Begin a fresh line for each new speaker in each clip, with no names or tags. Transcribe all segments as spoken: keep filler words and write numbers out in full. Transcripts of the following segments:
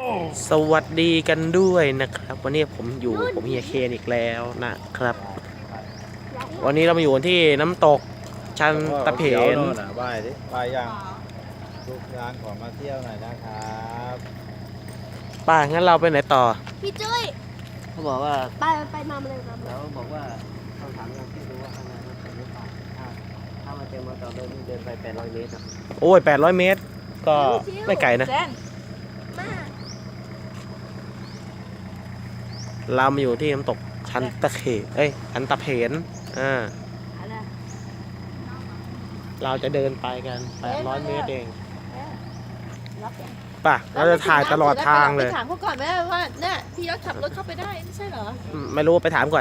สวัสดีกันด้วยนะครับวันนี้ผมอยู่ผมเฮียเคนอีกแล้วนะครับ วันนี้เรามาอยู่ที่น้ำตกชันตะเพน
ไหว้ดิไหว้ยังลูกช้างขอมาเที่ยวหน่อยนะครับ
ป่างั้นเราไปไหนต่อ
พี่จุ้ย
เขาบอกว่า
ไปไปมาเลยมา
แล้วบอกว่าเขาถามเราที่รู้ว่าข้างในมันเป็นหรือเปล่าถ้าถ้ามาเจอมาต่อเดินเดินไปแปดร้อยเมตรอ่ะ
โอ้ยแปดร้อยเมตรก็ไม่ไกลนะเรามาอยู่ที่น้ำตกชันตะเขเอ้ยชันตะเพนอ่าเราจะเดินไปกันแปดร้อยเมตรเองป่ะเราจะถ่ายตลอดทางเลย
ไปถามเขาก่อนไหมว่าเนี่ยพี่ยศขับรถเข้าไปได้ไม่ใช่เหรอ
ไม่รู้ไปถามก่อน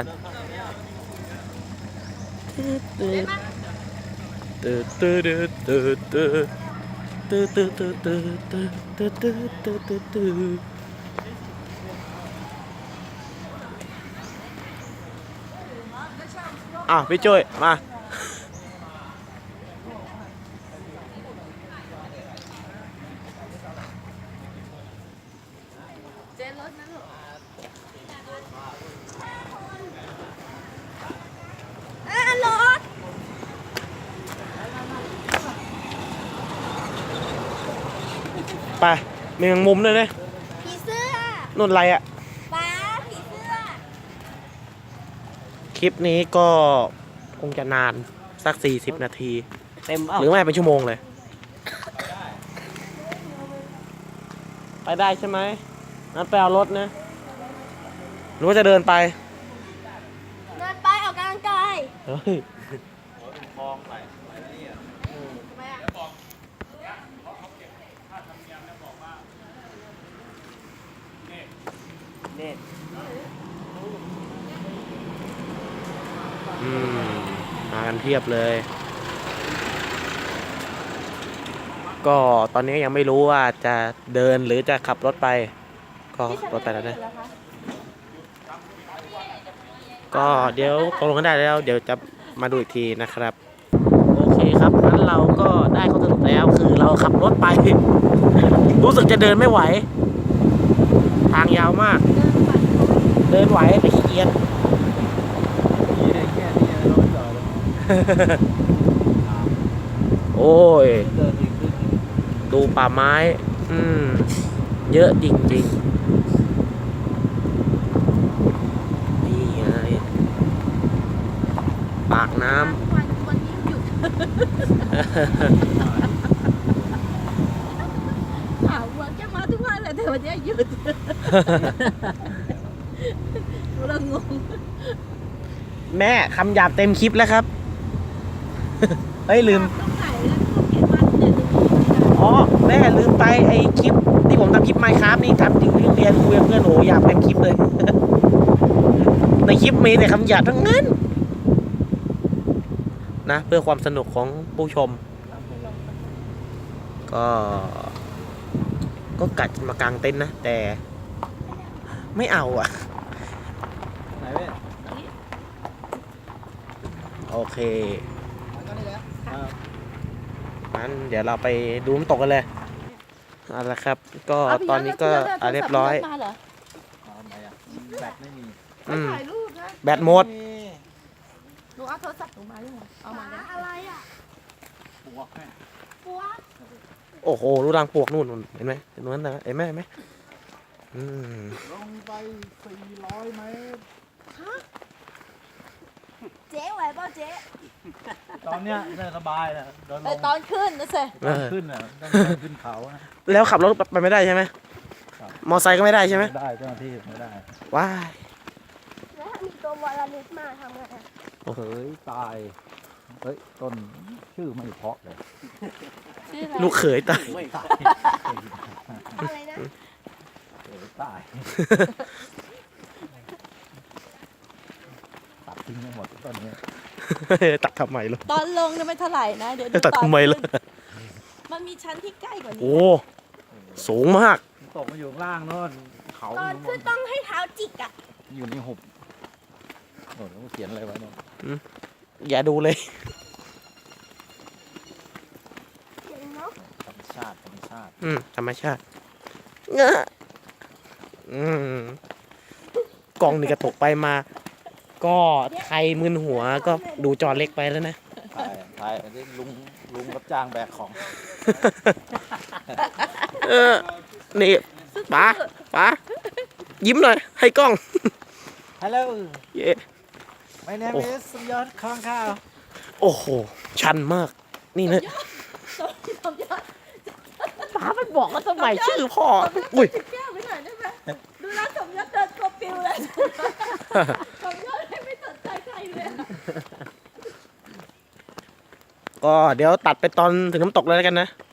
ตื้อตื้อตื้อตื้อตื้อตื้อตื้อตื้อตื้อตื้อตื้อตื้อตื้อตื้ออ้าวพี่จุ้ยมา
เจนรถนะลูกอ่ะรถ
ไปมีแมงมุมด้วยนะ
ผีเสื้อ
นุ่นไรอ่ะ
ป้าผีเสื้อ
คลิปนี้ก็คงจะนานสักสี่สิบนาที
เต็ม
หรือไม่เป็นชั่วโมงเลยไปได้ใช่ไหมงั้นไปเอารถนะหรือว่าจะเดินไป
เดินไปออกกำลังกาย
เฮ้ย
คลองไหลไหลนี่อ่ะ
ทำไมอ่ะ
เน็ต
อืมมากันเพียบเลยก็ตอนนี้ยังไม่รู้ว่าจะเดินหรือจะขับรถไปก็รถไปแล้วนะก็เดี๋ยวตกลงกันได้แล้วเดี๋ยวจะมาดูอีกทีนะครับโอเคครับงั้นเราก็ได้ข้อสรุปแล้วคือเราขับรถไปรู้สึกจะเดินไม่ไหวทางยาวมากเดินไหวแต่ขี้เกียจ
นี่ได้แค่นี้รถจอดเลย
โอ้ย
เดินอีกขึ้น
ดูป่าไม้อืมเยอะจริงๆนี่ไงปากน้ำ
วันนี้หยุดถามว่าแกมาทุกวันเลยแต่วันนี้หยุดเรางง
แม่คำหยาบเต็มคลิปแล้วครับเฮ้ยลืมอ๋อแม่ลืมไปไอ้คลิปที่ผมทำคลิปไมค์ครับนี่ทำจริงเรียนคุยกับเพื่อนโอ้หยาบเต็มคลิปเลยในคลิปมีแต่คำหยาบทั้งนั้นนะเพื่อความสนุกของผู้ชมก็ก็กัดมากางเต็นท์นะแต่ไม่เอาอ่ะ
ไหนเว้ย
โอเคงั้นเดี๋ยวเราไปดูน้ำตกกันเลยเอาละครับก็ตอนนี้ก็เรียบร้อย
แบตไม่มี
ถ่ายรูปนะ
แบตหมด
หนูเอาโทรศัพท์หนูมาด้วยเอามาอะไรอ่ะปวกแม่ปวก
โอ้โหรูรังปวกนู่นเห็นไหมเห็นนั้นนะเห็นไหมเห็นไหมอืม
ลงไปสี่ร้อยเมตร
ฮะเจ๊ไหวป่ะเจ๊
ตอนเนี้ยน่าสบายนะ
แต่ตอนขึ้นนะเซ่
ตอนขึ้นอ่ะต้องขึ้นเขานะ
แล้วขับรถไปไม่ได้ใช่ไหมมอไซค์ก็ไม่ได้ใช่ไหม
ไม่ได้เจ้าหน้าที่ไม่ได้
ว้า
แล้วมีตัววอลลิสมาทำไง
โอ้โหตายเฮ้ยต้นชื่อไม่เพาะเลย
ลูกเขยตาย
อะไรนะ
ตายตัดทิ้งหมดต้นนี้
ตัดทำไมล่ะ
ตอนลงเนี่ยไม่เท่าไหร่นะเดี๋ยว
ตัดทำไมล่ะ
มันมีชั้นที่ใกล้กว่านี้
โอ้สูงมาก
ตกมาอยู่ล่างโน่นเขา
ตอนขึ้นต้องให้เท้าจิกอ่ะ
อยู่ในหุบโอ้โหเขียนอะไรไว้เนี่ย
อย่าดูเลย
ธรรมชาติธรรมชาติ
อืมธรรมชาติเงอะอืมกล้องนี่กระตกไปมา ก็ไทยมึนหัวก็ดูจอเล็กไปแล้วนะ
ถ่ายถ่ายอันนี้ลุงลุงรับจ้างแบกของ
เออ นี่ป๋าป๋ายิ้มหน่อย ให้กล้อง
ฮัลโหล
เย้
my name
โอ้
is สมยศคองข้าว
โอ้โห ชันมาก นี่นะ
สมยศ
ป๋าไปบอกว่าทำไมชื่อพ่อ อุ้ย
จิบแก้วไปหน่อยได้ไหมดูแลวสมยศเดินตัวปิวเลยสมยศไม่สนใจใครเลย
ก็เดี๋ยวตัดไปตอนถึงน้ำตกเลยแล้วกันนะ
โ